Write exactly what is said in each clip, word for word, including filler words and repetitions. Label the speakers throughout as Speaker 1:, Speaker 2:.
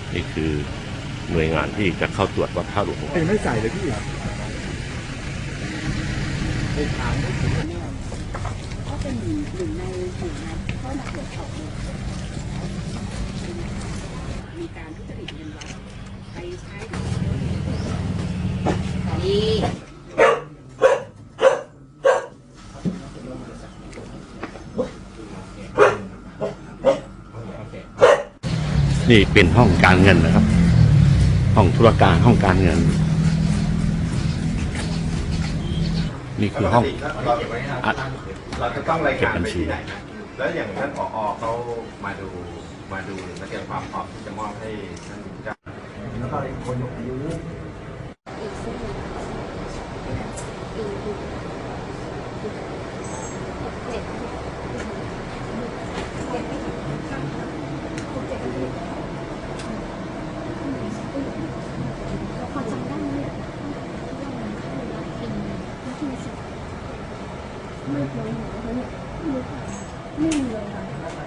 Speaker 1: นี่คือหน่วยงานที่จะเข้าตรวจวัดท่าหลวง
Speaker 2: ไม่ใส่เลยพี่ไปถาม
Speaker 3: ก็เป็นหนึ่งในหน่วยงานที่เข้ามาตรวจสอบมีการทุจริตเงินวัดไปใช้นี่
Speaker 1: นี่เป็นห้องการเงินนะครับห้องธุรการห้องการเงินนี่คือห้อง
Speaker 4: เราจะต้องรายการไปที่ไหนนะแล้วอย่างท่านผอ.เขามาดูมาดูมาเตรียมความพร้อมที่จะมอบให้ท่านเจ้าแล้วก็อีกคนอายุ
Speaker 3: ไม่เคยเห็นเขาเนี่ยไม่มีเลยค่ะ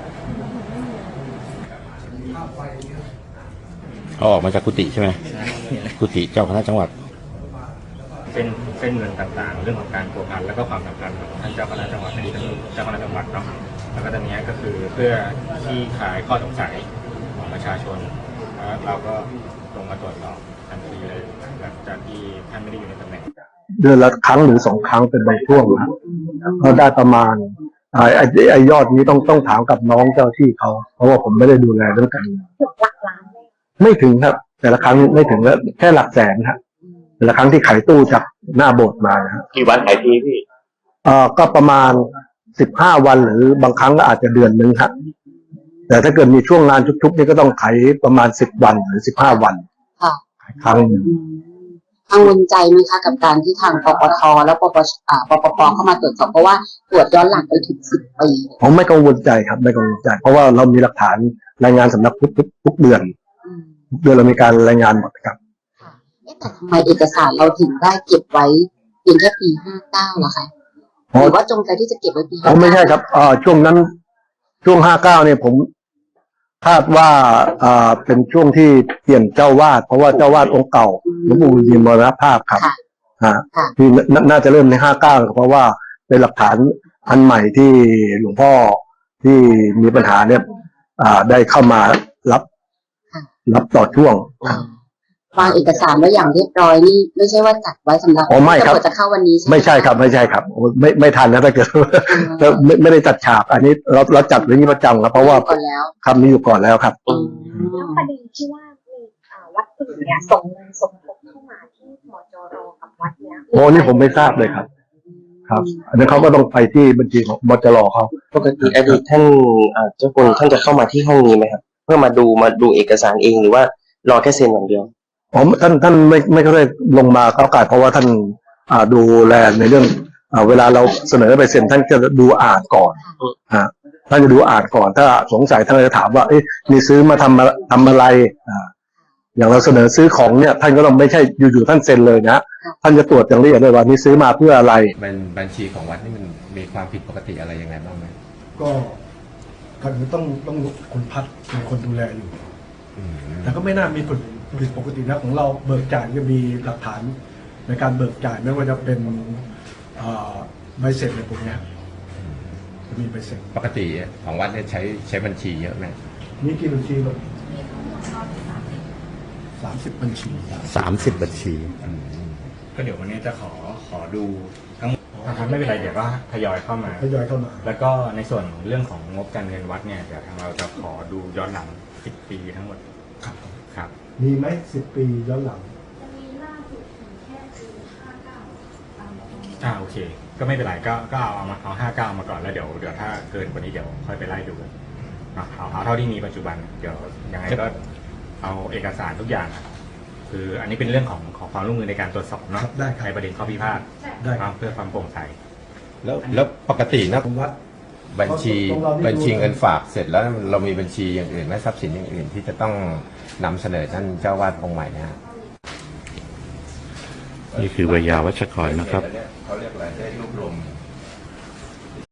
Speaker 1: เขาออกมาจากกุฏิใช่ไหมกุฏิเจ้าคณะจังหวัด
Speaker 5: เป็นเส้นเงินต่างๆเรื่องของการพัวพันแล้วก็ความสัมพันธ์ของท่านเจ้าคณะจังหวัดในท่านเจ้าคณะจังหวัดเนาะแล้วก็ตอนนี้ก็คือเพื่อที่คลายข้อสงสัยของประชาชนแล้วเราก็ลงมาตรวจสอบทันทีเลยหลังจากที่ท่านไม่ได้อยู่ในตำแหน่ง
Speaker 2: เดือนละครั้งหรือสองครั้งเป็นบางช่วงนะก็ได้ประมาณไอ้ไอ้ยอดนี้ต้องต้องถามกับน้องเจ้าที่เขาเพราะว่าผมไม่ได้ดูแลเรื่องการไม่ถึงครับแต่ละครั้งไม่ถึงแล้วแค่หลักแสนครับแต่ละครั้งที่ขายตู้จากหน้าโบสถ์มานะฮะ
Speaker 1: กี่วันขายทีพี่
Speaker 2: เอ่อก็ประมาณสิบห้าวันหรือบางครั้งก็อาจจะเดือนนึงครับแต่ถ้าเกิดมีช่วงงานชุกๆนี่ก็ต้องขายประมาณสิบวันหรือสิบห้าวัน
Speaker 3: ค่ะ
Speaker 2: ครั้งนึง
Speaker 3: กังวลใจไหมคะกับการที่ทางปปทแล้วปปอ่าปปปเข้ามาตรวจสอบเพราะว่าตรวจย้อนหลังไปถึงสิบปี
Speaker 2: ผมไม่กังวลใจครับไม่กังวลใจเพราะว่าเรามีหลักฐานรายงานสำนักพุทธทุกเดือนทุกเดือนเรามีการรายงานหมดครับ
Speaker 3: ค่ะแต่ทำไมเอกสารเราถึงได้เก็บไว้เพียงแค่ปีห้าเก้าล่ะคะหรือว่าจงใจที่จะเก็บไว้ปีห้าเก้า
Speaker 2: ไม่ใช่ครับอ่าช่วงนั้นช่วงห้าเก้าเนี่ยผมคาดว่าอ่าเป็นช่วงที่เปลี่ยนเจ้าวาดเพราะว่าเจ้าวาดองค์เก่าหลวงปู่ยินมรณภาพครับฮะที่น่าจะเริ่มในห้าเก้าเพราะว่าเป็นหลักฐานอันใหม่ที่หลวงพ่อที่มีปัญหาเนี่ยอ่าได้เข้ามารับรับต่อช่วง
Speaker 3: วางเอกสารไว้อย่างเรียบร้อยนี่ไม่ใช่ว่าจัดไว้สำหรับ
Speaker 2: อ๋อไม่ครับ
Speaker 3: จะเข้าวันนี้ใช่ไหม
Speaker 2: ไม่ใช่ครับไม่ใช่ครับไม่ไม่ทันนะถ้าเกิดไม่ไม่ได้จัดฉากอันนี้เราเราจัดไว้นี้ประจำครับเพราะว่าคำนี้อยู่ก่อนแล้วครับ
Speaker 6: แล้วประเด็นที่ว่ามีวัดอื่นเนี่ยส่งเงินสมทบเข้ามาที่มจร.กับวัดเนี้ย
Speaker 2: โอ้นี่ผมไม่ทราบเลยครับครับอันนี้เขาก็ต้องไปที่บัญชีของมจร.เขา
Speaker 7: ปกติอดีตท่านเจ้าคุณท่านจะเข้ามาที่ห้องนี้ไหมครับเพื่อมาดูมาดูเอกสารเองหรือว่ารอแค่เซ็นอย่างเดียว
Speaker 2: อ๋อท่านท่านไม่ไม่ค่อยลงมาก้าวไก่เพราะว่าท่านอ่าดูแลในเรื่องอ่าเวลาเราเสนอไปเซ็นท่านจะดูอ่านก่อนฮะท่านจะดูอ่านก่อนถ้าสงสัยท่านจะถามว่าเอ๊ะนี่ซื้อมาทำทำอะไรอ่าอย่างเราเสนอซื้อของเนี่ยท่านก็ต้องไม่ใช่อยู่ๆท่านเซ็นเลยนะท่านจะตรวจอย่างละเอียดเลยว่านี่ซื้อมาเพื่ออะไร
Speaker 4: บัญชีของวัดนี่มันมีความผิดปกติอะไรยังไงบ้างไหม
Speaker 8: ก็ก่อนอื่นต้องต้องคุณพัดเป็นคนดูแลอยู่แต่ก็ไม่น่ามีผิดผิดปกตินะของเราเบิกจ่ายจะมีหลักฐานในการเบิกจ่ายไม่ว่าจะเป็นใบเสร็จอะไรพวกนี้จะมีใบเสร็จ
Speaker 4: ปกติของวัดเนี่ยใช้ใช้บัญชีเยอะไหม
Speaker 8: มีกี่บัญชีแบบสามสิบบัญชี
Speaker 1: สามสิบบัญชี
Speaker 5: ก็เดี๋ยววันนี้จะขอขอดูทั้งหมดนะครับไม่เป็นไรเดี๋ยวก็ทยอยเข้ามา
Speaker 8: ทยอยเข้ามา
Speaker 5: แล้วก็ในส่วนเรื่องของงบการเงินวัดเนี่ยเดี๋ยวทางเราจะขอดูย้อนหลังสิบปีทั้งหมด
Speaker 8: ครับ
Speaker 5: ครับ
Speaker 8: มีไหมสิบปีย้อนหลัง
Speaker 6: มีล่าสุดถึงแค่ปีห้าเก้า
Speaker 5: อ่าโอเคก็ไม่เป็นไรก็ก็เอาเอามาเอาห้าเก้ามาก่อนแล้วเดี๋ยวเดี๋ยวถ้าเกินกว่านี้เดี๋ยวค่อยไปไล่ดูนะเอาเอาเท่าที่มีปัจจุบันเดี๋ยวยังไงก็เอาเอกสารทุกอย่างคืออันนี้เป็นเรื่องของของความร่วมมือในการตรวจสอบเนาะในประเด็นข้อพิพาทเพื่อความโปร่งใส
Speaker 4: แล้วแล้วปกตินะบัญชีบัญชีเงินฝากเสร็จแล้วเรามีบัญชีอย่างอื่นไหมทรัพย์สินอย่างอื่นที่จะต้องนำเสนอท่านเจ้าวาดองค์ใหม่นะฮะ
Speaker 1: นี่คือวิยาวัชกรนะครับ
Speaker 4: เขาเรียกอะไรได้รวบรวม